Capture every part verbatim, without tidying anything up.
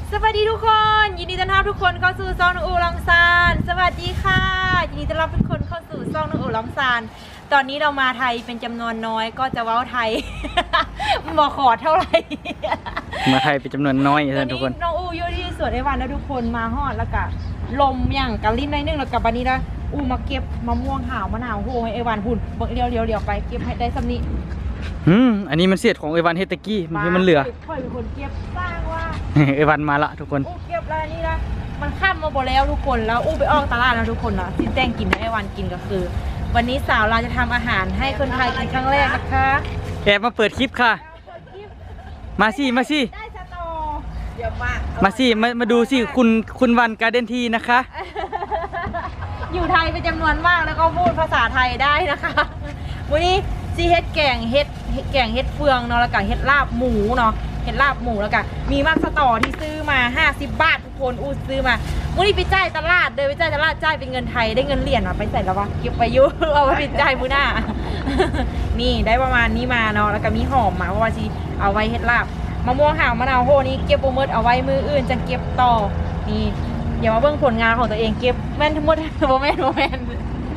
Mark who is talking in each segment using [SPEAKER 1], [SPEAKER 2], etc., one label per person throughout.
[SPEAKER 1] สวัสดีทุกคนยินดีต้อนรับทุกคนเข้าสู่ช่องน้องอูลองซานสวัสดีค่ะยินดีต้อนรับทุกคนเข้าสู่ช่องน้องอูลองซานตอนนี้เรามาไทยเป็นจำนวนน้อยก็จะเว้าไทย มาขอเท่าไหร่
[SPEAKER 2] มาไทยเป็นจำนวนน้อยท่านทุกคน
[SPEAKER 1] น้องอูอยู่ที่สวนไอวันแล้วทุกคนมาฮอดแล้วก็ลมอย่างกะลิ้นนิดนึงแล้วกับวันนี้นะอูมาเก็บมะม่วงหาวมะนาวโหให้ไอวันหุ่นเดี๋ยวเดี๋ยวเดี๋ยวไปเก็บให้ได้สำนี้
[SPEAKER 2] อืมอันนี้มันเสียดของไอวันเฮตกี้มันที่มันเหลือ
[SPEAKER 1] ค่อยเป็นคนเก็บสร้างว่า
[SPEAKER 2] ไอวันมาละทุกคน
[SPEAKER 1] อู้เก็บแล้วนี่นะมันข้ามมาหมดแล้วทุกคนแล้วอู้ไปออกตลาดแล้วทุกคนเนาะที่แจ้งกินไอวันกินก็คือ วันนี้สาวเราจะทำอาหารให้คนไทยกินครั้งแรกนะคะ
[SPEAKER 2] แอบมาเปิดคลิปค่ะมาสิมาสิ
[SPEAKER 1] ได้สตอเยอะมาก
[SPEAKER 2] มาสิมามาดูสิคุณคุณวันการ์เด้นทีนะคะ
[SPEAKER 1] อยู่ไทยเป็นจำนวนมากแล้วก็พูดภาษาไทยได้นะคะวันนี้ซีเฮ็ดแกงเฮ็ดแกงเฮ็ดเฟืองเนาะแล้วก็เฮ็ดลาบหมูเนาะเฮ็ดลาบหมูแล้วก็มีมากสตอที่ซื้อมาห้าสิบบาททุกคนอู้ซื้อมาวันนี้ไปจ่ายตลาดเดินไปจ่ายตลาดจ่ายเป็นเงินไทยได้เงินเหรียญอ่ะไปใส่แล้ววะเก็บไปยุ่เอาไปจ่ายมื้อหน้า นี่ได้ประมาณนี้มาเนาะแล้วก็มีหอมมาเพราะว่าสิเอาไว้เฮ็ดลาบมะม่วงหาวมะนาวโหนี่เก็บโปรโมทเอาไว้มืออื่นจะเก็บต่อนี่อย่ามาเบิ่งผลงานของตัวเองเก็บแม่นทั้งหมดโมเมนต์โมเมนต์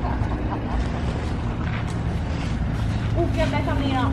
[SPEAKER 1] อู้เก็บได้ทำนี้เนาะ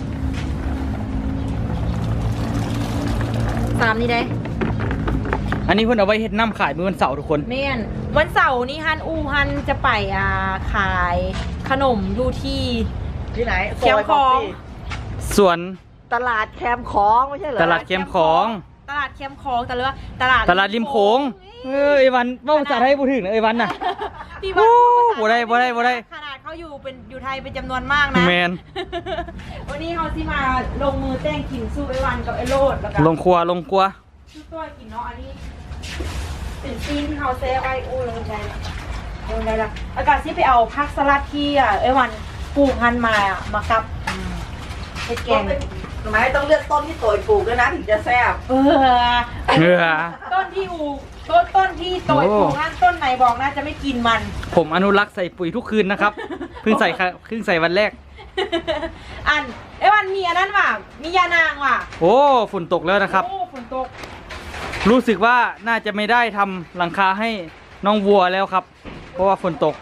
[SPEAKER 1] สามนี่ได้
[SPEAKER 2] อันนี้เพิ่นเอาไว้เฮ็ดน้ำขายมื้อวันเสาร์ทุกคน
[SPEAKER 1] แม่นวันเสาร์นี้ฮันอูฮันจะไปอ่าขายขนมอยู่ที่
[SPEAKER 3] ที่ไหน
[SPEAKER 1] แคมป์ของ
[SPEAKER 2] ส่วน
[SPEAKER 3] ตลาดแคมป์ของไม่ใช่เหรอ
[SPEAKER 2] ตลาดแคมป์ของ
[SPEAKER 1] ตลาดแคมป์ของแต่เรือตลาด
[SPEAKER 2] ตลาดริมโขงเออไอวันว่าภาษาไทยพูดถึงนะไอวันน่ะ
[SPEAKER 1] พี่ว่า
[SPEAKER 2] บ่ได้บ่ได้บ่ได้
[SPEAKER 1] ขนาดเขาอยู่เป็นอยู่ไทยเป็นจำนวนมากนะ
[SPEAKER 2] แมน
[SPEAKER 1] วันนี้เขาที่มาลงมือแต้งกินสู้ไอวันกับไอโรดแล้วก็
[SPEAKER 2] ลงครัวลงครัว
[SPEAKER 1] สู้ตัวกินเนาะอันนี้เป็นซีนที่เขาเซฟไว้อู้ลงใจลงใจละอากาศที่ไปเอาผักสลัดที่อ่ะไอวันปลูกพันมาอ่ะมากับเห็ดแกง
[SPEAKER 3] ทำไมต้องเลือกต้นที่โตยปลูกด้วยนะถึงจะแซ่บ
[SPEAKER 1] เออ
[SPEAKER 2] เออ
[SPEAKER 1] ต้นที่อูต้นต้นที่โตยปลูกนั่นต้นไหนบอกน่าจะไม่กินมัน
[SPEAKER 2] ผมอนุรักษ์ใส่ปุ๋ยทุกคืนนะครับเพิ่งใส่เพิ่งใส่วันแรก
[SPEAKER 1] อันไอ้วันมีอันนั้นว่ะมียานางว่ะ
[SPEAKER 2] โอ้ฝนตกแล้วนะครับ
[SPEAKER 1] โอ้ฝนตก
[SPEAKER 2] รู้สึกว่าน่าจะไม่ได้ทำหลังคาให้น้องวัวแล้วครับเพราะว่าฝนตก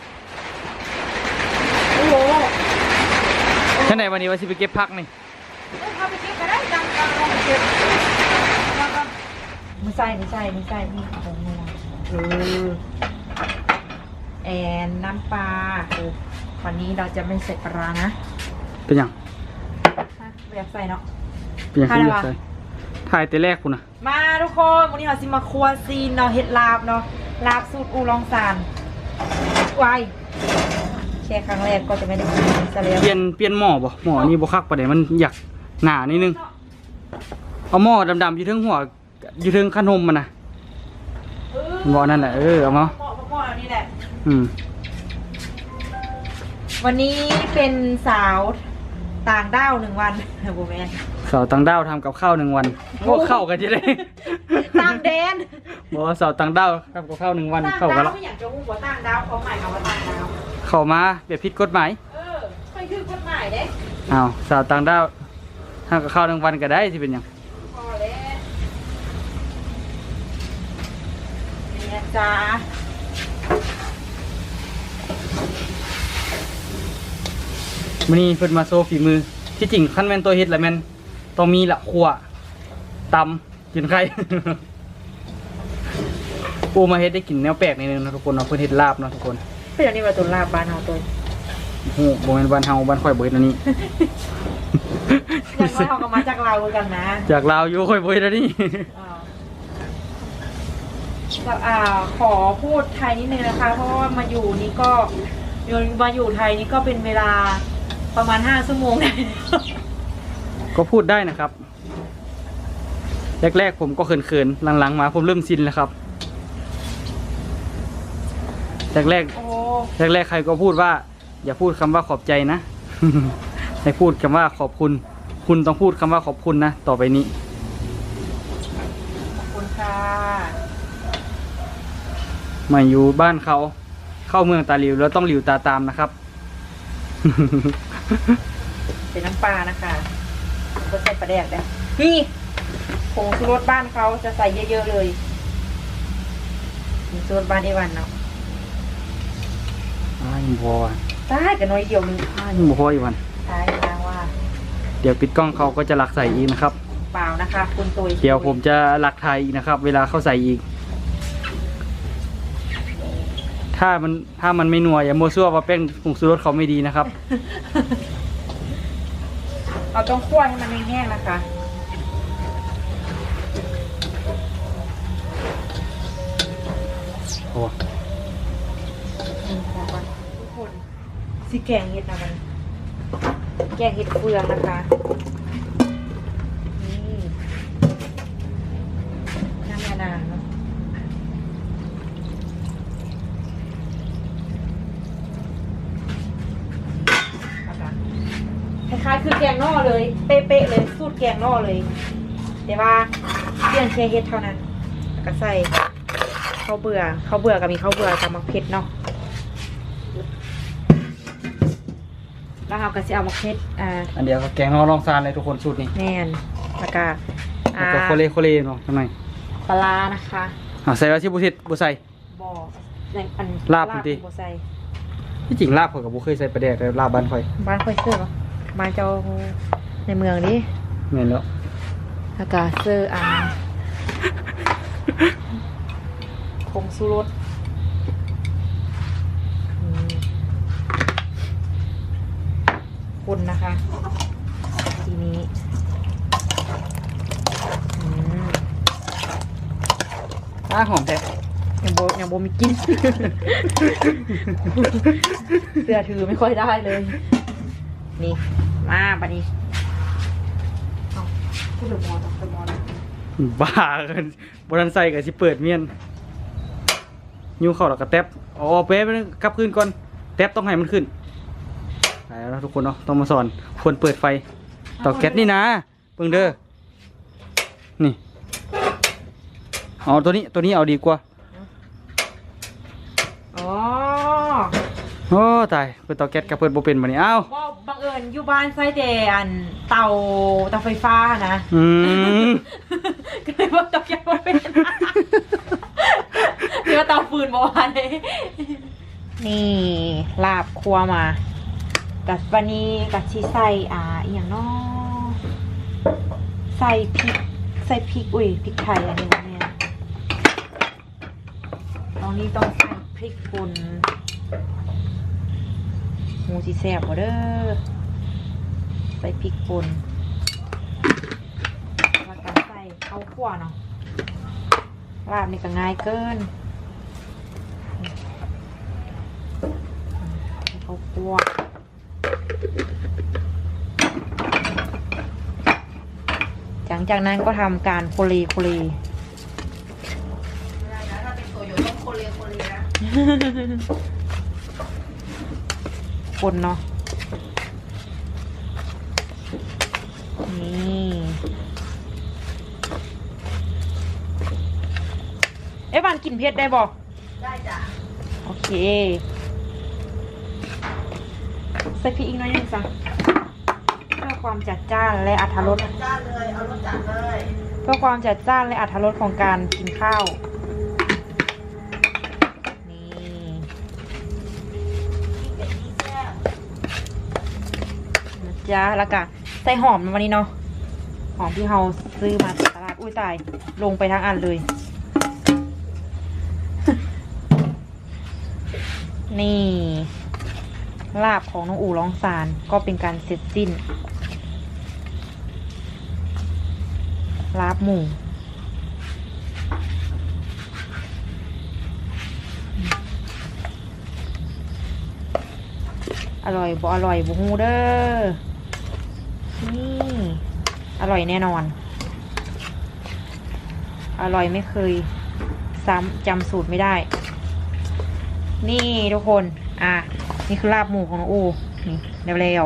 [SPEAKER 1] โอ้โห
[SPEAKER 2] ท่านไหนวันนี้ว่าสิไปเก็บพักนี่
[SPEAKER 1] เอาไปเก็บก็ได้จังจังลงไปเก็บไม่ใช่ไม่ใช่ไม่ใช่นี่ของมึงเออแอนน้ำปลาวันนี้เราจะไม่ใส่ปลานะ
[SPEAKER 2] เป็นยัง
[SPEAKER 1] อยากใส่เนาะ
[SPEAKER 2] เป็นยังคุณอยากใส่ถ่ายแต่แรกคุณนะ
[SPEAKER 1] มาทุกคนวันนี้เราสิมาครัวซีนเนาะเห็ดลาบเนาะลาบสูตรอูลองซานวายแค่ครั้งแรกก็จะไม่ได้กินซะแล้ว
[SPEAKER 2] เปลี่ยนเปลี่ยนหม้อบ่หม้อนี่บ่คักปะเดี๋ยวมันอยากหนานิดนึงเอาหม้อดำๆอยู่ทึงหัวอยู่ทึงขนมมันนะหม้อนั่นแหละเออเอามา
[SPEAKER 1] หม้อหม้อนี่แหละ
[SPEAKER 2] อืม
[SPEAKER 1] วันนี้เป็นสาวต่างด้าวหนึ่งวันโบแมน
[SPEAKER 2] สาวต่างด้าวทำกับข้าวหนึ่งวันพวกเข้ากันจะได้
[SPEAKER 1] ต่างแดน
[SPEAKER 2] บอกว่าสาวต่างด้าวทำกับข้าวหนึ่งวันเข้ากันแล้ว
[SPEAKER 1] ไม่อยากจะพูดว่าต่างดาวเขาหมายคำว่าต่างดาว
[SPEAKER 2] เข้ามาแบบผิดกฎหมาย
[SPEAKER 1] เออใครคือกฎหมายเด้
[SPEAKER 2] อ้าวสาวต่างด้าวทำกับข้าวหนึ่งวันก็ได้ที่เป็นยัง
[SPEAKER 1] พอแล้วเนี่ยจ้า
[SPEAKER 2] วันนี้เพิ่นมาโซฝีมือที่จริงขั้นแม่นตัวเฮ็ดแหละแม่นต้องมีละขั่วตำกินไข่ปูมาเฮ็ดได้กินแนวแปลกนิดนึงนะทุกคนเนาะเพิ่นเฮ็ดลาบเนาะทุกคน
[SPEAKER 1] เป็นอันนี้ว่าตัวลาบบ้านเฮาตัว
[SPEAKER 2] โอ้โหบ่แม่นบ้านเฮาบ้านข่อยบ่เฮ็ดอันนี้
[SPEAKER 1] อย่างว่าเฮาก็มาจากลาวเหมือนกันนะ
[SPEAKER 2] จากลาวอยู่ข่อยบ่เฮ็ดอันนี้
[SPEAKER 1] อ่าขอพูดไทยนิดนึงนะคะเพราะว่ามาอยู่นี่ก็มาอยู่ไทยนี่ก็เป็นเวลาประมาณห้าชั่วโมงได้
[SPEAKER 2] ก็พูดได้นะครับแรกๆผมก็เขินๆหลังๆมาผมเริ่มชินแล้วครับแรกๆแรกๆใครก็พูดว่าอย่าพูดคำว่าขอบใจนะให้พูดคำว่าขอบคุณคุณต้องพูดคำว่าขอบคุณนะต่อไปนี้
[SPEAKER 1] ขอบคุณค่ะ
[SPEAKER 2] มาอยู่บ้านเขาเข้าเมืองตาหลิวแล้วต้องหลิวตาตามนะครับ
[SPEAKER 1] เป็นน้ำปลานะคะก็ใส่ปลาแดกได้นี่ผงชูรสบ้านเขาจะใส่เยอะๆเลยผงชูรสบ้านไอวันเนาะ
[SPEAKER 2] อ่ายังพอว่ะ
[SPEAKER 1] ใช่กันน้อยเดียวนึง
[SPEAKER 2] อ่ายังบ่พออีกวัน
[SPEAKER 1] ใช่ทางว่า
[SPEAKER 2] เดี๋ยวปิดกล้องเขาก็จะหลักใส่อีกนะครับ
[SPEAKER 1] เปล่านะคะ คุณตุย
[SPEAKER 2] เดี๋ยวผมจะหลักไทยอีกนะครับ เวลาเข้าใส่อีก ถ้ามันถ้ามันไม่นัวอย่ามัวซั่วว่าแป้งผงชูรสเขาไม่ดีนะครับ
[SPEAKER 1] เราต้องคั่วให้มันแห้งๆนะคะ
[SPEAKER 2] โอ้
[SPEAKER 1] อืมบอกว่าทุกคนสิแกงเห็ดนะมันแกงเห็ดเฟืองนะคะนี่น้ำยานางเนาะคล้ายๆคือแกงนอกเลย เป๊ะๆเลยสูตรแกงนอกเลย แต่ว่าเปลี่ยนแค่เห็ดเท่านั้นแล้วก็ใส่ข้าวเบื่อข้าวเบื่อกับมีข้าวเบื่อกับมะเขือเนาะแล้วเราก็จะเอามะเขืออ่า
[SPEAKER 2] อันเดียวก็แกงนอรองซานเลยทุกคนสูตรนี้
[SPEAKER 1] แน่นแล้วก็
[SPEAKER 2] แล้ว
[SPEAKER 1] อ่า
[SPEAKER 2] ก็โคเลโคเลเนาะทำไม
[SPEAKER 1] ปลาร้านะคะ
[SPEAKER 2] อ่าใส่ไว้ที่บุษิตบุใส่
[SPEAKER 1] บอในอัน
[SPEAKER 2] ลาบดิ
[SPEAKER 1] บอใส่
[SPEAKER 2] ที่จริงลาบข่อยกับบุเคยใส่ปลาแดกแต่ลาบบ้านข่อย
[SPEAKER 1] บ้านค่อยเสื้อเหรอบ้านเจ้าในเมืองดิ
[SPEAKER 2] เห็นแล้ว
[SPEAKER 1] แล้วก็เสื้ออ่าผงชูรสอืมคนนะคะ ทีนี้อืม
[SPEAKER 2] อ้าหอมแท้
[SPEAKER 1] ยังโบยังโบมีกิน เสื้อถือไม่ค่อยได้เลย นี่มาบัดนี้เอาพูดเดอะมอลล์เดอะมอลล์
[SPEAKER 2] บ้ากันบรันใส่กับสิเปิดเมียนยูเข้าแล้วก็แท็บอ๋อเป๊ะไปบนึงกลับคืนก่อนแท็บต้องให้มันขึ้นไปแล้วทุกคนเนาะต้องมาสอนควรเปิดไฟเต่อแก๊สนี่นะเบิ่งเด้อนี่เอาตัวนี้ตัวนี้เอาดีกว่า
[SPEAKER 1] อ๋อ
[SPEAKER 2] โอ้ตายเปิดเตาแก๊สกับเปิดโบเป็นมานี่อ้าว
[SPEAKER 1] ว่าบังเอิญอยู่บ้านไส้เดอันเตาเตาไฟฟ้านะ
[SPEAKER 2] อืม
[SPEAKER 1] ก็เลยว่าเตาแก๊สบ่เป็นหรือว่าเตาฟืนบ่ว่าเลยนี่ลาบครัวมากับวันนี้กับชีใส่อ่าอหย่างเน้อใส่พริกใส่พริกอุ้ยพริกไทยอันนี้นะเนี่ยตอนนี้ต้องใส่พริกป่นหมูสีแซ่บบ่เด้อใส่พริกป่นแล้วก็ใส่ข้าวคั่วเนาะลาบนี่ก็ง่ายเกินข้าวคั่วหลังจากนั้นก็ทำการโคเลโคเล
[SPEAKER 3] ถ้าเป็นตัวอยู่ต้องโคเรียโคเรียนะ
[SPEAKER 1] คนเนาะนี่เอ๊ะบานกินเผ็ดได้บอก
[SPEAKER 3] ได้จ้ะ
[SPEAKER 1] โอเคใส่พริกอีกหน้อยหนึงจ้ะเพื่อความจัดจ้านและอรรถรส
[SPEAKER 3] จัดจ้านเลย เอารสจัดเลย
[SPEAKER 1] เพื่อความจัดจ้านและอรรถรสของการกินข้าวนี่
[SPEAKER 3] เป็ดที่แซ่บ
[SPEAKER 1] นะจ๊ะแล้วก็ใส่หอมวันนี้เนาะหอมที่เราซื้อมาจากตลาดอุ้ยตายลงไปทั้งอันเลย นี่ลาบของน้องอู่ร้องสารก็เป็นการเสร็จสิ้นลาบหมูอร่อยบ่อร่อยบ่ฮู้เด้อนี่อร่อยแน่นอน อร่อยไม่เคยซ้ำจำสูตรไม่ได้ นี่ทุกคนอ่ะนี่คือลาบหมูของน้องอูนี่เร็ว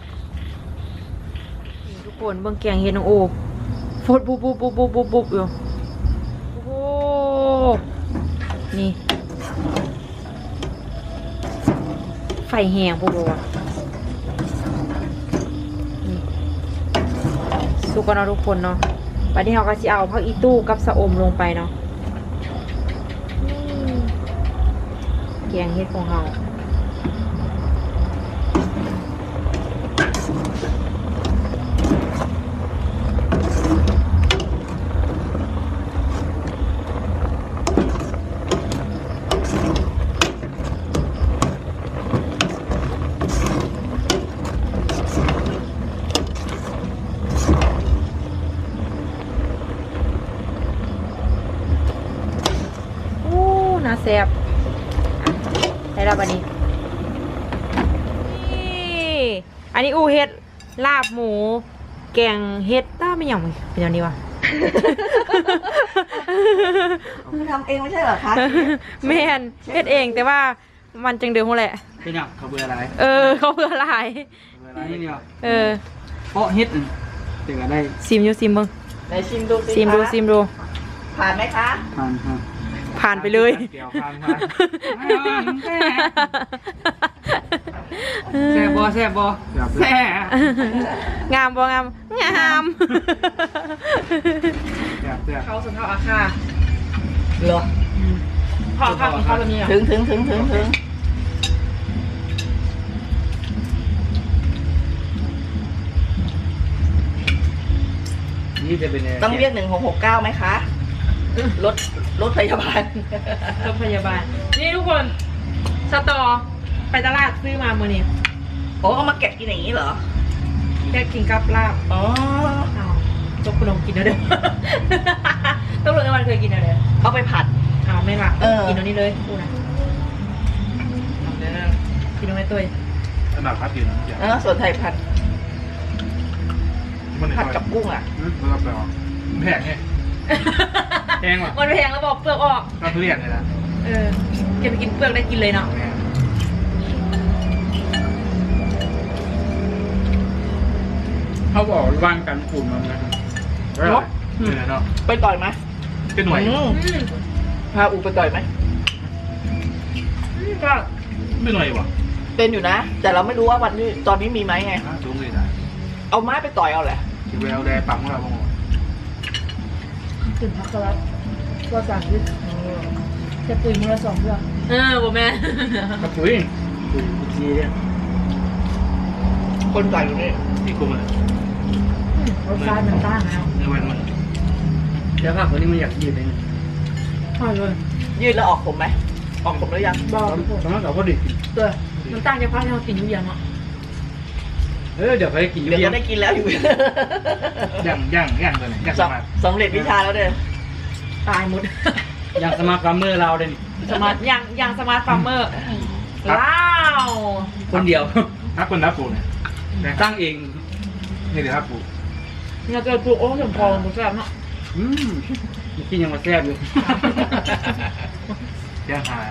[SPEAKER 1] ๆนี่ทุกคนเบิ่งแกงเฮ็ดน้องอูฟดบุบบุบบุบบุบบุบบุบอยู่โอ้โหนี่ไฟแห้งพวกเราอะนี่สุกกันเนาะทุกคนเนาะวันนี้เราก็จะเอาผักอีตู้กับสะอมลงไปเนาะแกงเฮ็ดของเราน่าแซ่บได้แล้วบันนี้นี่อันนี้อูเฮ็ดลาบหมูแกงเฮ็ดต้าไม่อย่างเป็นอย่างนี้วะ
[SPEAKER 3] คุณทำเองไม่ใช่เหรอคะ
[SPEAKER 1] แม่นเฮ็ดเองแต่ว่ามันจังเดือดหัวแหละ
[SPEAKER 2] เป็นหยังเขาเบื่ออะไร
[SPEAKER 1] เออเขาเพื่ออะไร
[SPEAKER 2] เบื่ออะไรนี่เนี่ย
[SPEAKER 1] เออ
[SPEAKER 2] เพราะเฮ็ดอันถึงจะได้
[SPEAKER 1] ซิมอยู่ซิมมึง
[SPEAKER 3] ไหนชิมดูสิ
[SPEAKER 1] ซิมดู
[SPEAKER 3] คะ
[SPEAKER 1] ซิมดู
[SPEAKER 3] ผ่านไหมคะ
[SPEAKER 2] ผ่านครับ
[SPEAKER 1] ผ่านไปเลย
[SPEAKER 2] เกี่ยวผ่านผ่านแซ่บบ่แซ่บบ่แซ่บ
[SPEAKER 1] งามบ่งามงาม
[SPEAKER 2] แซ่บแซ่บ
[SPEAKER 1] เขาสุนทรอาคา
[SPEAKER 3] เหรอ
[SPEAKER 1] พ่อข้าวของเขาแบบนี้
[SPEAKER 3] ถึงถึงถึงถึงถึง
[SPEAKER 2] นี่จะเป็น
[SPEAKER 3] ต้องเรียกหนึ่งหกหกเก้าไหมคะรถรถพยาบาล
[SPEAKER 1] รถพยาบาลนี่ทุกคนสตอไปตลาดซื้อมาเมื่อนี้
[SPEAKER 3] โอ้เอามาแกะกินอย่างนี้เหรอ
[SPEAKER 1] แค่กินกับลาบ
[SPEAKER 3] อ๋อ
[SPEAKER 1] อ้าวจกขนมกินแล้วเด้อ ต้องรู้ว่ามันเคยกินแล้วเด้อ
[SPEAKER 3] เอาไปผัด
[SPEAKER 1] อ้าวไม่หมัก
[SPEAKER 3] เออ
[SPEAKER 1] กินตรงนี้เลยดูนะกินตรงไหนตัว
[SPEAKER 4] ขนาดพัดอยู่นะอย่าง
[SPEAKER 3] เออส่วนไทยผัด
[SPEAKER 4] มัน
[SPEAKER 3] ผัดกับกุ้งอ่ะ
[SPEAKER 4] มันรับแล้วแพงไง
[SPEAKER 2] แพงว่ะ
[SPEAKER 1] มันแพงแล้วบอกเปลือกออก
[SPEAKER 4] ก็ทุเรียนเลยนะ
[SPEAKER 1] เออเก็บไปกินเปลือกได้กินเลยเนาะ
[SPEAKER 2] เขาบอกว่างกันฝุ่นมันนะ
[SPEAKER 4] เนาะเออเนาะ
[SPEAKER 3] ไปต่อยไหม
[SPEAKER 4] เป็นหน่วย
[SPEAKER 3] อืม
[SPEAKER 1] อืม
[SPEAKER 3] พาอูไปต่อยไหม
[SPEAKER 1] อืมก็
[SPEAKER 4] เป็นหน่วยวะ
[SPEAKER 3] เป็นอยู่นะ แต่เราไม่รู้ว่าวันนี้ตอนนี้มีไหมไง
[SPEAKER 4] สูงเลยนะ
[SPEAKER 3] เอาไม้ไปต่อยเอาแหละ
[SPEAKER 4] คิวเอลแดงปั๊มของเราบ้าง
[SPEAKER 1] ถึงพักแล้วว่าสั่งยึดจะปุ๋ยมือละสองเพื่อเออบ่แม่
[SPEAKER 2] กระปุยปุยจีเนี่ย
[SPEAKER 3] คนต่อยอยู่นี่
[SPEAKER 4] ที่กลุ่มเลย
[SPEAKER 1] รสชาติมันต่างแล้ว
[SPEAKER 4] ในวันมัน
[SPEAKER 2] เดี๋ยวภาพคนนี้มันอยากยืดเอง
[SPEAKER 1] อร่อย
[SPEAKER 3] ยืดแล้วออกผมไหมออกผมหรือยัง
[SPEAKER 1] บอก
[SPEAKER 2] สำหรับเราก็ดิ
[SPEAKER 1] ตัวมันต่างจากพักที่เรากินอยู่ยังอ่ะ
[SPEAKER 2] เออเดี๋ยวไปกิน
[SPEAKER 3] เดี๋ยว
[SPEAKER 2] เบีย
[SPEAKER 3] ก็
[SPEAKER 2] ร์
[SPEAKER 3] ได้กินแล้วอยู่
[SPEAKER 4] ย่างย่างย่างเลยย่างส
[SPEAKER 3] สำ
[SPEAKER 4] มาร์ท
[SPEAKER 3] สำเร็จวิชาแล้วเด้อ
[SPEAKER 1] ตายหมด
[SPEAKER 2] อย่างสมาร์ทฟาร์มเมอร์เราเด่น
[SPEAKER 1] สมาร์ทยังยังสมาร์ทฟาร์มเมอร์ว้าว
[SPEAKER 2] คนเดียว
[SPEAKER 4] ถ้าคนรับปูเนี่ย
[SPEAKER 2] ตั้งเอง
[SPEAKER 4] นี่เดี๋ยวรับปู
[SPEAKER 1] เนี่ยเกิดปลูกโอ้ถึงพอหมดแล้วเนาะ
[SPEAKER 2] อืมกินยังมาแซ่บอยู่
[SPEAKER 4] ย่างหา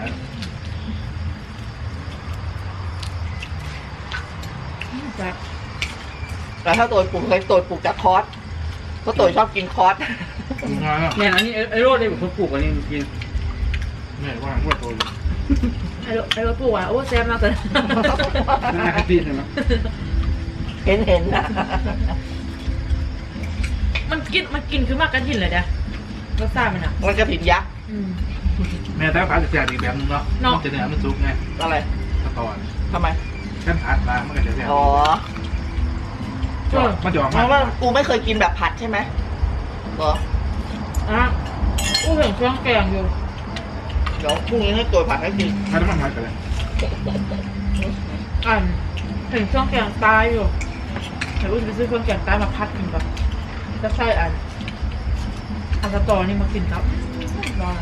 [SPEAKER 1] จ้ะ
[SPEAKER 3] แต่ถ้าตัวปลูกเคยตัวปลูกจากคอร์สเพราะตัวชอบกินคอร์ส
[SPEAKER 4] งานอ่ะ
[SPEAKER 2] เนี่ยอันนี้ไอ้โรดเนี่ยผมปลูกอันนี้กิน
[SPEAKER 4] เหนื่อยว่าว่าตัวอยู่
[SPEAKER 1] ไอ้รถไอ้รถปลูกอ่ะโอ้แซ่บมากเลย
[SPEAKER 2] น่าคติใช่ไหม
[SPEAKER 3] เห็นเห็นนะ
[SPEAKER 1] มันกินมันกินคือมากกระถิ่นเลยนะรสชาติมันอ่ะ
[SPEAKER 3] มันกระถิ่นยักษ์
[SPEAKER 1] อืม
[SPEAKER 4] แม่แต่ผัดจะแจกอีกแบบนึงเนาะมันจะเนื้อมันซุกไง
[SPEAKER 3] อะไร
[SPEAKER 4] ตะตอน
[SPEAKER 3] ทำไม
[SPEAKER 4] เส้นผัดมามันก็จะแจก
[SPEAKER 3] อ๋อ
[SPEAKER 4] มันจะออก
[SPEAKER 3] เพ
[SPEAKER 4] มา
[SPEAKER 3] ราะว่ากูไม่เคยกินแบบผัดใช่ไหมเหรอ
[SPEAKER 1] อ่ะอู้เห็นเครื่องแกงอยู่
[SPEAKER 3] เดี๋ยวพรุ่งนี้ให้ตัวผัดให้กิน
[SPEAKER 4] ถ้าน้ำมันผัดกันเลย
[SPEAKER 1] อ่านเห็นเครื่องแกงตายอยู่เดี๋ยวอู้จะไปซื้อเครื่องแกงตายมาพัดกินแบบจะใส่อันอันสตอนี่มากินครับรอ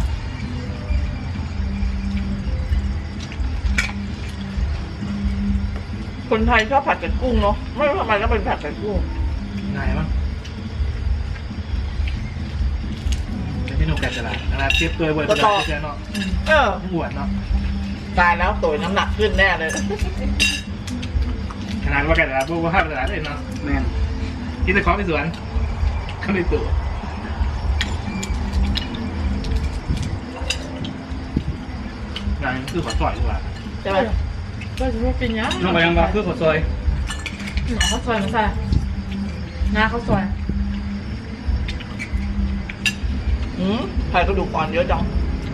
[SPEAKER 3] คนไทยชอบผัดกับกุ้งเนาะไม่รู้ทำไมก็เป็นผัดกับกุ้ง
[SPEAKER 4] ง่ายมั้งเป็นที่หนุ่มแกะตลาดขนาดเทียบตัวเวอร์ตลาดเชียเนาะ
[SPEAKER 3] เออ
[SPEAKER 4] หวานเนาะ
[SPEAKER 3] ตายแล้วตัวน้ำหนักขึ้นแน่เลย
[SPEAKER 4] ขนาดว่าแกะตลาดพวกว่าห้าตลาดเลยเนาะ
[SPEAKER 2] แม่น
[SPEAKER 4] กินแต่ของในสวนก็ในตัวงานคือขอจ่อยดีกว่า
[SPEAKER 3] ใช่ไหม
[SPEAKER 1] ก็จะไม่กินยัง
[SPEAKER 2] น้องไปยังบ้าเพื่อขอซอย
[SPEAKER 1] หนาข้าวซอยมาใส่หน้าข้าวซอย
[SPEAKER 3] อืมไข่กระดูกอ่อนเยอะจัง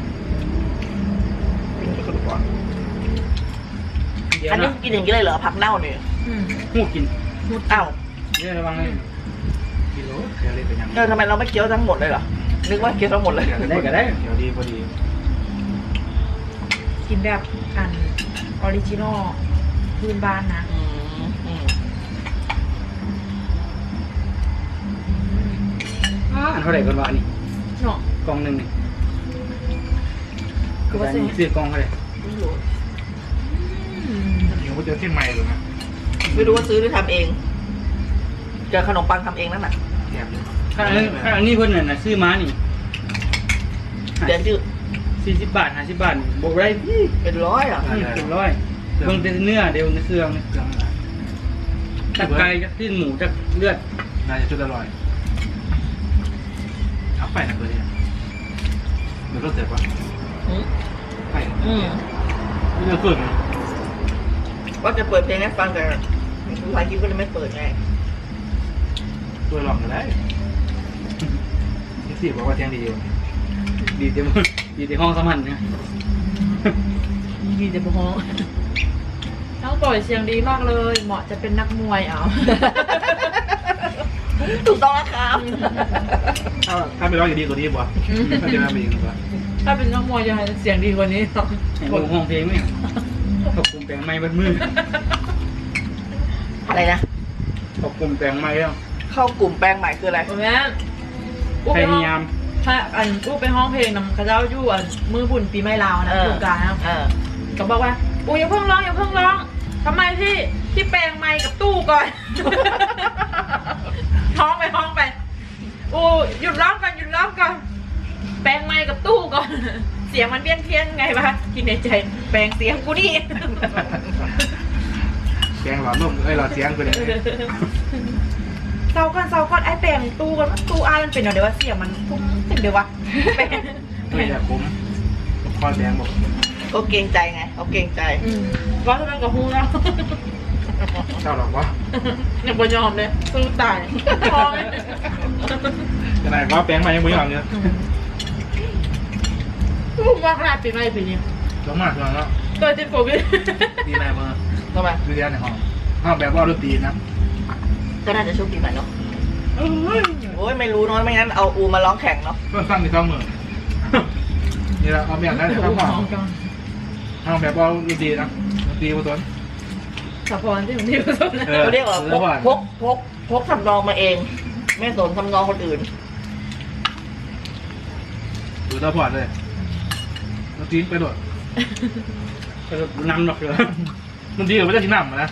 [SPEAKER 3] กินกระดูกอ่อน
[SPEAKER 2] เดี๋ยว
[SPEAKER 3] อันนี้
[SPEAKER 2] นะ
[SPEAKER 3] กินอย่างนี้เลยเหรอผักเน่าเนี่ย
[SPEAKER 1] อืม
[SPEAKER 2] หูกิน
[SPEAKER 3] อ้าว
[SPEAKER 2] เดี๋ยวระวังเลย
[SPEAKER 4] กิโลเดี๋ยวเล่นไปยัง
[SPEAKER 3] เออทำไมเราไม่เคี้ยวทั้งหมดเลยเหรอนึกว่าเคี้ยวทั้งหมดเลย
[SPEAKER 2] ได้ก็ได้
[SPEAKER 4] เดี๋ยวดีพอดี
[SPEAKER 1] กินแบบอันออริจินอลพื้นบ้านนะ
[SPEAKER 3] อืมอืม
[SPEAKER 2] อันเท่าไหร่กันวะอันนี้
[SPEAKER 1] เนาะ
[SPEAKER 2] กล่องหนึ่งนี่
[SPEAKER 1] คือว่า
[SPEAKER 2] อัน
[SPEAKER 1] ซื้อ
[SPEAKER 2] นี้ซื้อกล่องเท่าไหร่
[SPEAKER 3] ไม่รู้
[SPEAKER 1] อืม
[SPEAKER 4] เดี๋ยวก็เจอเส้นใหม่เลยนะ
[SPEAKER 3] ไม่รู้ว่าซื้อหรือทำเองเจอขนมปังทำเองนั่นน่ะ
[SPEAKER 4] แอบเลย
[SPEAKER 2] อันนี้อันนี้เพิ่นน่ะนะซื้อมานี่
[SPEAKER 3] เดือนชื่อ
[SPEAKER 2] สี่สิบบาทห้าสิบบาทบวกได้พี่
[SPEAKER 3] เป็นร้อยอ่ะ
[SPEAKER 2] เต็มร้อยเบิ่งแต่เนื้อเดี๋ยวในเครื่องนี่
[SPEAKER 4] เครื่องอะไร
[SPEAKER 2] จักไก่จักที่หมูจักเลือด
[SPEAKER 4] น่าจะชุดอร่อยเอาไปนะตัวนี้เดี๋ยวก็เสร็จวะ
[SPEAKER 3] อืม
[SPEAKER 4] ไป
[SPEAKER 3] อืม
[SPEAKER 4] ไม่จะเกิด
[SPEAKER 3] ว่าจะเปิดเพลงให้ฟังแต่หลายคลิปก็เลยไม่เปิดไง
[SPEAKER 4] ตัวหลอกกันได้ที่สี่บอกว่าเที่ยงดีอยู่
[SPEAKER 2] ดีเต็มดีเต็มห้องสมันนะ
[SPEAKER 1] ดีแต่บ่ฮ้องน้องต่อยเสียงดีมากเลย เหมาะจะเป็นนักมวยเอา
[SPEAKER 3] ถูกต้องแล้วครับ
[SPEAKER 4] ถ้าถ้าไม่ร้องอย่างดีกว่านี้บ่ถ้าจะมาอีกกว่า
[SPEAKER 1] ถ้าเป็นนักมวยจะเสียงดีกว่านี้
[SPEAKER 2] เห็นห้องเพลงไหมขอบคุมแปลงไม้เบัดมือ
[SPEAKER 3] อะไรนะ
[SPEAKER 2] ขอบคุมแปลงไม้แล้ว
[SPEAKER 3] เข้ากลุ่มแปลงใหม่คืออะไร
[SPEAKER 1] ผมแม่อู้
[SPEAKER 2] พ
[SPEAKER 1] ไปห้อง
[SPEAKER 2] ยายาม
[SPEAKER 1] ถ้าอันอู้ไปห้องเพลงนำข้าเจ้าอยู่อันมือบุญปีใหม่ลาวนะ
[SPEAKER 3] เออ
[SPEAKER 1] โครงการนะ
[SPEAKER 3] เออ
[SPEAKER 1] ก็บอกว่าอู้อย่าเพิ่งร้องอย่าเพิ่งร้องทำไมพี่พี่แปลงไมค์กับตู้ก่อน ห้องไปห้องไปอู้หยุดร้องก่อนหยุดร้องก่อนแปลงไมค์กับตู้ก่อน เสียงมันเพี้ยนเพี้ยนๆไงวะคิดในใจแปลงเสียงกูนี่
[SPEAKER 4] แกงหลอดลมเอ้ยหลอดเสียงไปเลย
[SPEAKER 1] เศร้าก่อนเศร้าก่อนไอ้แปลงตู้ก่อนตู้อ้ายมันเป็นเดี๋ยวว่าเสียงมันพุ่งเป็นเดี๋ยววะแปลง
[SPEAKER 4] ไม่แต่ผมคอแดงบอก
[SPEAKER 3] ก็เกรงใจไงเขาเกรงใจ
[SPEAKER 1] อืมว่าทำไมกับฮูแล้ว
[SPEAKER 4] เจ้าหรอกวะ
[SPEAKER 1] ยังบ่ยอมเลยสู้ตายพอไหม
[SPEAKER 4] ขนาดว่าแป้งมายังไม่ยอมเนี่ย
[SPEAKER 1] ลูกว่าขนาดปีใหม่ปีนี้
[SPEAKER 4] สมมากเลยเนาะ
[SPEAKER 1] เกิดติดโควิด
[SPEAKER 4] ดีแม่เมื่อ
[SPEAKER 3] ทำไม
[SPEAKER 4] ดูเรียนในห้องห้องแบบว่าดนตรีนะ
[SPEAKER 3] ก็น่าจะโชคดีหน่อยเนาะโอ้ยไม่รู้เนาะไม่งั้นเอาอูมาร้องแข่งเนาะ
[SPEAKER 4] เพื่อนฟังในต้องมือนี่เราเอาแบบนั้นเลยครับห้องห้องแบบว่าดนตรีนะดนตรีผสม
[SPEAKER 1] สะพอนที่ผมที่ผสมนะ
[SPEAKER 4] เออ
[SPEAKER 3] เขาเรียกว่าพกพกพกพกทำนองมาเอง ไม่สนทำนองคนอื่น
[SPEAKER 4] ดูตาพอดเลยดนตรีไปโดด
[SPEAKER 2] ก็นำหรอกเหรอ
[SPEAKER 4] ดนตรีเราไม่ได้ทิ้งน้ำนะ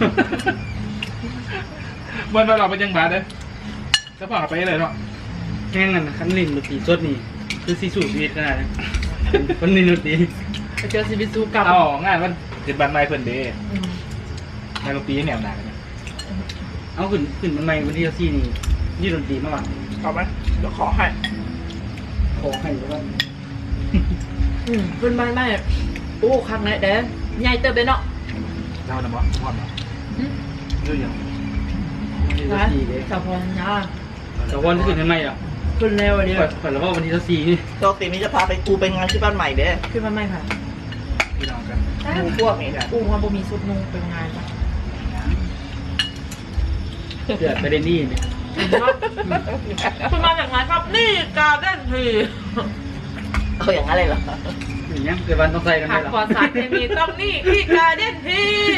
[SPEAKER 4] วันเราไปยังบาดเลยจะพาไปเลยเนาะ
[SPEAKER 2] แห้งกันคันลินดนตรีสดนี่คือสีสูบชีวิตขนาดนั้นคนลินดนตรี
[SPEAKER 1] ไปเจอซีบิซูกับ
[SPEAKER 4] เอางานวันเจ็ดบันไม้เพิ่นเดย์
[SPEAKER 1] อืม
[SPEAKER 4] ในดนตรีแนวหนาเนี่ย
[SPEAKER 2] เอาขึ้นขึ้นมันใหม่วันที่สี่นี่ยี่ดนตรีมาก่อน
[SPEAKER 3] เอาไหมเดี๋ยวขอให้
[SPEAKER 2] ขอให้แล้วก็
[SPEAKER 1] อืมเป็นบ้านไม่โอ้ครั้งไหนเด้ใหญ่เติบเลยเนาะ
[SPEAKER 4] เจ้าหน้าบ่พอดเนาะ
[SPEAKER 1] อืม
[SPEAKER 4] เยอะยัง
[SPEAKER 2] วันที่
[SPEAKER 1] นะ
[SPEAKER 2] สี่เลย
[SPEAKER 1] สะพอนนะ
[SPEAKER 2] แต่วันที่ขึ้นทำไมอ่ะ
[SPEAKER 1] ขึ้นเร็วเดียว
[SPEAKER 2] ฝันแล้วว่าวันที่สี่นี่
[SPEAKER 3] โชคดีนี้จะพาไปกูไปงานที่บ้านใหม่เด้อ
[SPEAKER 1] ขึ้นมาไม่ค่ะ
[SPEAKER 4] พี่น้องกัน
[SPEAKER 3] ดูพวกนี้นะ
[SPEAKER 1] อู้ว่าบ่มีสุดนุ่งเป็นงานปะ
[SPEAKER 2] เกิดประเด็นนี้เนี่ย
[SPEAKER 1] คุณมาจากไหนครับนี่การเล่นที
[SPEAKER 3] เอาอย่างนั้นเลยเหรอ
[SPEAKER 2] อย่างเงี้ยเกิดวันต้องใส่กัน
[SPEAKER 1] ผั
[SPEAKER 2] ได้
[SPEAKER 1] ก
[SPEAKER 2] หรอ
[SPEAKER 1] ปลอดสารเคมีต้องนี่ที่การเล่นที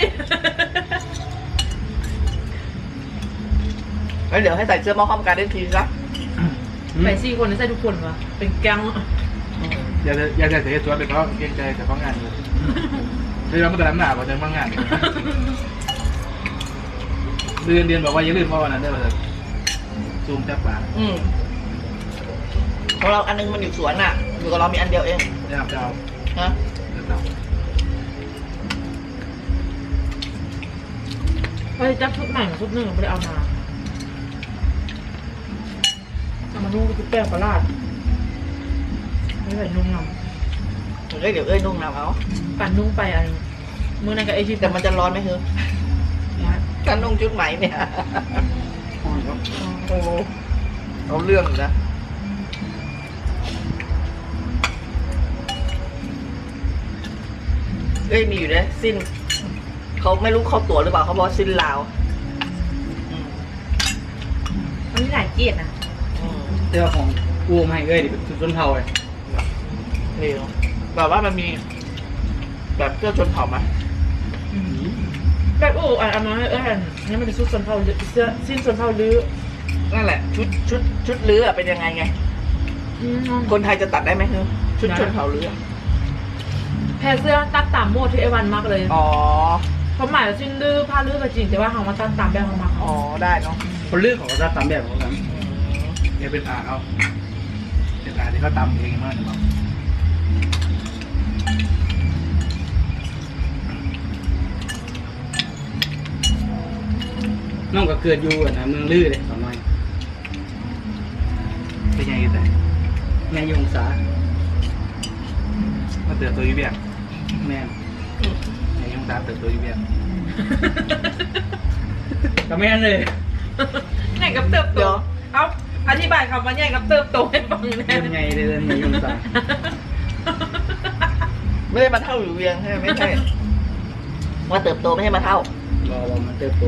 [SPEAKER 3] แล้วเดี๋ยวให้ใส่เสื้อหมอห้อมการเล่นทีซะ
[SPEAKER 1] ไปสี่คนนี่ใส่ทุกคนวะเป็นแก๊ง
[SPEAKER 4] อย่าจะอย่าจะเสียตัวไปเขาเกรงใจแต่เขางานเลยเดี๋ยวมันจะน้ำหนากว่าจะมางานเดือนเดือนบอกว่าอย่าลืมว่าวันนั้นได้ป่ะซูมแทบปาก
[SPEAKER 3] อืมของเราอันนึงมันอยู่สวนน่ะ อยู่กับเรามีอันเดียวเอง
[SPEAKER 4] ได้ครับเจ้า
[SPEAKER 3] ฮะ
[SPEAKER 4] เดี๋ยวเจ้า
[SPEAKER 1] ไปจับชุดใหม่ชุดหนึ่งไม่ได้เอามาเอามานุ่งชุดแป้งปลาลาดไม่ใส่นุ่งน
[SPEAKER 3] เอ้ยเดี๋ยวเอ้ยนุ่งน้ำเอา
[SPEAKER 1] ำปั่นนุ่งไปอันมือนั่นกับไอชิป
[SPEAKER 3] แต่มันจะร้อนไหมเฮ้ยถ้านุ่งชุดไหมเนี่ย โอ้เอาเรื่องอยู่นะอ้ยมีอยู่นะสิ้นเขาไม่รู้เขาตั๋วหรือเปล่าเขาบอกสิ้นลาวอืม
[SPEAKER 1] มันมีหลายเกียรตินะ
[SPEAKER 3] อืม
[SPEAKER 2] เจ้าของอูมาให้เอ้ยดิเป็นชุดชนเผ่าเลย
[SPEAKER 3] นี่เนอะแบบว่ามันมี แบบเสื้อชนเผ่าไหม
[SPEAKER 1] แบบโอ้อันอันนั้นเอออันนี้มันเป็นชุดชนเผ่าหรือเสื้อสิ้นชนเผ่าหรือ
[SPEAKER 3] นั่นแหละ ชุดชุดชุดเรือเป็นยังไงไง
[SPEAKER 1] อืม
[SPEAKER 3] คนไทยจะตัดได้ไหมคือชุดชนเผ่าเรือ
[SPEAKER 1] แพรเสื้อตัดตามโมดที่ไอวันมากเลย
[SPEAKER 3] อ๋อ
[SPEAKER 1] เขาหมายว่าสิ้นลือผ้าลือก็จริงแต่ว่าเขามาตัดตามแบบของมัน
[SPEAKER 3] อ๋อได้เนาะ
[SPEAKER 2] คนเลือกของเขาจะตามแบบของเขา
[SPEAKER 3] อืม
[SPEAKER 4] เนี่ยเป็นอ่าเอาเป็นอ่าที่เขาตำเองมากเลยมั้ง
[SPEAKER 2] น้องก็เกิดอยู่อะนะเมืองลือเลยสองน้อย
[SPEAKER 4] เป็นยังไงแต่
[SPEAKER 2] แม่อยงศา
[SPEAKER 4] มาเติบโตอยู่เบียง
[SPEAKER 2] แม่
[SPEAKER 4] ไอ้ยงตาเติบโตอยู่เบียง
[SPEAKER 2] ก็แม่นเลย
[SPEAKER 1] ใหญ่กับเติบโตเอาอธิบายคำว่าใหญ่กับเติบโตให้ฟังแน่
[SPEAKER 2] เดินไงเดินไงยงศา
[SPEAKER 3] ไม่ได้มาเท่าอยู่เวียงใช่ไหมไม่ใช่ว่าเติบโตไม่ใช่มาเท่า
[SPEAKER 2] รอว่ามันเติบโต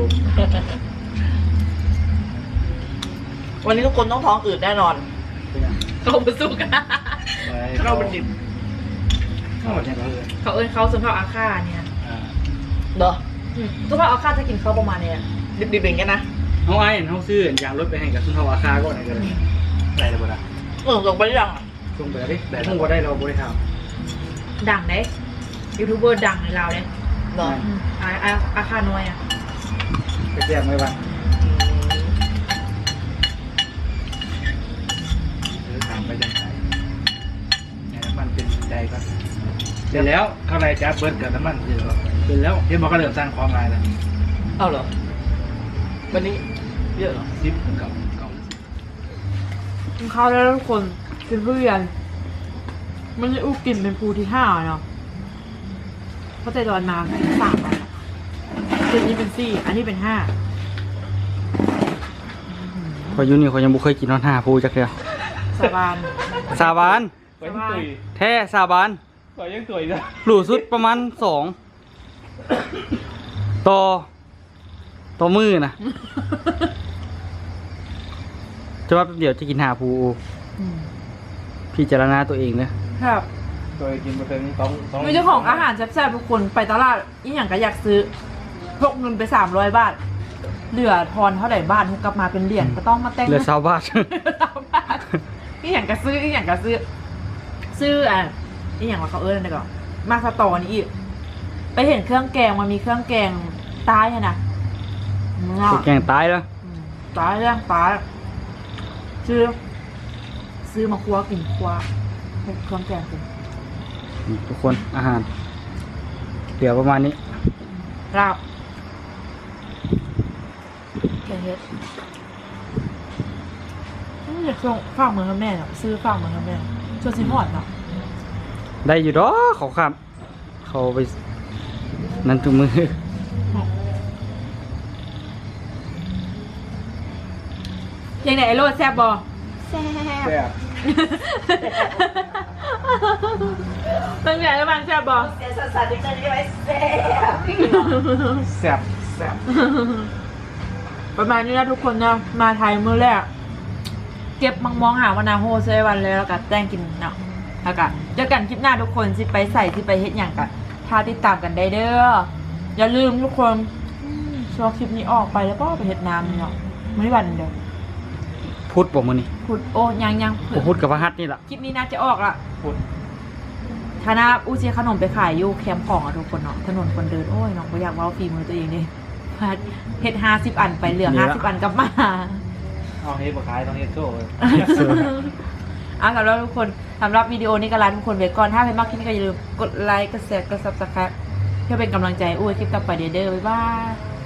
[SPEAKER 3] วันนี้ทุกคนต้องท้องอืดแน่นอน
[SPEAKER 2] เป็นยัง
[SPEAKER 1] เขาไปสู้กัน
[SPEAKER 3] เข้าเป็นดิบ
[SPEAKER 2] เข้ามาใช่ไหมเลย
[SPEAKER 1] เขาเอิ้นเขาสุนเผ่าอาค่าเนี่ย
[SPEAKER 2] อ่า
[SPEAKER 3] เนาะ
[SPEAKER 1] อืมสุนเผ่าอาค่าจะกินเขาประมาณเนี้ย
[SPEAKER 3] ดิบๆอย่างเงี้ยนะ
[SPEAKER 2] เขาไอ้เขาซื้อยางรถไปให้กับสุนทรอาคาก็ไหนกันเลย
[SPEAKER 4] อะไรเลยบ่ล่ะ
[SPEAKER 3] เออส่งไปหรือยังอะ
[SPEAKER 2] ส่งไปแล้วดิแต่ถ้าว่าได้เราบริทาม
[SPEAKER 1] ดังเด้ยูทูบเบอร์ดังในเราวเด้
[SPEAKER 3] เนาะ
[SPEAKER 1] อืมอาอาอาค่าน้อยอ่ะ
[SPEAKER 2] ไปแจ้งไว้บ้าง
[SPEAKER 4] เออถามไปยังไงไอ้น้ำมันเป็นใจก็
[SPEAKER 2] เสร็จแล้ว
[SPEAKER 4] ข้างในจะเบิร์ดกับน้ำมันเยอะ
[SPEAKER 2] เสร็จแล้ว
[SPEAKER 4] เดี๋ยวมันก็เริ่มสร้างความลายแล้ว
[SPEAKER 3] เอาเหรอ วันนี้เยอะเหรอ
[SPEAKER 4] ซิปเก่าเก่า
[SPEAKER 1] กินข้าวแล้วทุกคนกินเพื่อนมันจะอู้กินเป็นภูที่ห้าเนาะเพราะใจตอนมาสามอันอะจุดนี้เป็นสี่อันนี้เป็นห้า
[SPEAKER 2] พออยูนี่เขายังบุเคยกินนอนห้าพูจักเดียว
[SPEAKER 1] สาบาน
[SPEAKER 2] สาบาน
[SPEAKER 4] ไปยังตุย
[SPEAKER 2] แท้สาบาน
[SPEAKER 4] ไปยังตุยจ้ะ
[SPEAKER 2] หลูสุดประมาณสองต่อต่อมือนะจะว่าแป๊บเดี๋ยวจะกินหาภู
[SPEAKER 1] อืม
[SPEAKER 2] พี่จารณาตัวเองนะครับ
[SPEAKER 4] ตัวกินมาเป็นต้องต้อง
[SPEAKER 1] มีเจ้าของอาหารแซ่บๆทุกคนไปตลาดอีหยังก็อยากซื้อพกเงินไปสามร้อยบาท เหลือทอนเท่าไหร่บ้านทุกกลับมาเป็นเหรียญก็ต้องมาแต่ง
[SPEAKER 2] เหลือสาวบาท
[SPEAKER 1] สามบาทอีหยังก็ซื้ออีหยังก็ซื้อ ซื้ออ่ะอีหยังว่าเขาเอิ้นอะไรก่อนมาสตอนี่อีกไปเห็นเครื่องแกงมันมีเครื่องแกงใต้อะนะเงา
[SPEAKER 2] แกงตายแล้ว
[SPEAKER 1] อืมตายเรื่องตายซื้อ ซื้อมาครัวกินครัวเครื่องแกงกิน
[SPEAKER 2] นี่ทุกคนอาหารเดี๋ยวประมาณนี้
[SPEAKER 1] ลาบแกงเฮ็ดอืมอยากส่งฝากมือให้แม่เนาะซื้อฝากมือให้แม่ชวนซิฮอดเนาะ
[SPEAKER 2] ได้อยู่ดอกเขาครับ เขาไปนั่นทุกมือ
[SPEAKER 1] ยังไงไอโรดแซ่บบอแซ่บ
[SPEAKER 4] แซ่บ
[SPEAKER 1] ตั้งแต่แล้วมันแซ่บบอ
[SPEAKER 3] เสียสัสสัสดิฉันใช่ไหมแซ่บ
[SPEAKER 4] แซ่บแซ่บ
[SPEAKER 1] ประมาณนี้นะทุกคนนะมาไทยมื้อแรก เก็บมังมองหาวานาโฮเซวันเลยแล้วก็แจ้งกินเนาะแล้วก็เจอกันคลิปหน้าทุกคนสิไปใส่สิไปเฮ็ดอย่างกันถ้าติดตามกันได้เด้ออย่าลืมทุกคนอืมช่วงคลิปนี้ออกไปแล้วก็ไปเฮ็ดน้ำเนาะไม่วันเดียว
[SPEAKER 2] พุทธบอกมือนี่
[SPEAKER 1] พูดโอ้ยังยัง
[SPEAKER 2] โอ้พุทธกับพระหัตถ์นี่แหละ
[SPEAKER 1] คลิปนี้น่าจะออกละ
[SPEAKER 4] พูด
[SPEAKER 1] ธนาอูเซียขนมไปขายอยู่แคมป์ของอะทุกคนเนาะถนนคนเดินโอ้ยน้องก็อยากเว่าฝีมือตัวเองดิพัดเฮ็ดห้าสิบอันไปเหลือห้าสิบอันกลับมา
[SPEAKER 4] เอาเฮ็ดมาขายต้องเฮ็ดโซ่เลย
[SPEAKER 1] เอาสำหรับทุกคนสำหรับวิดีโอนี้ก็ลาทุกคนไปก่อนถ้าเป็นมากคลิปนี้ก็อย่าลืมกดไลค์กดแชร์กดซับสไครป์เพื่อเป็นกำลังใจอุ้ยคลิปต่อไปเด้อบ๊ายบาย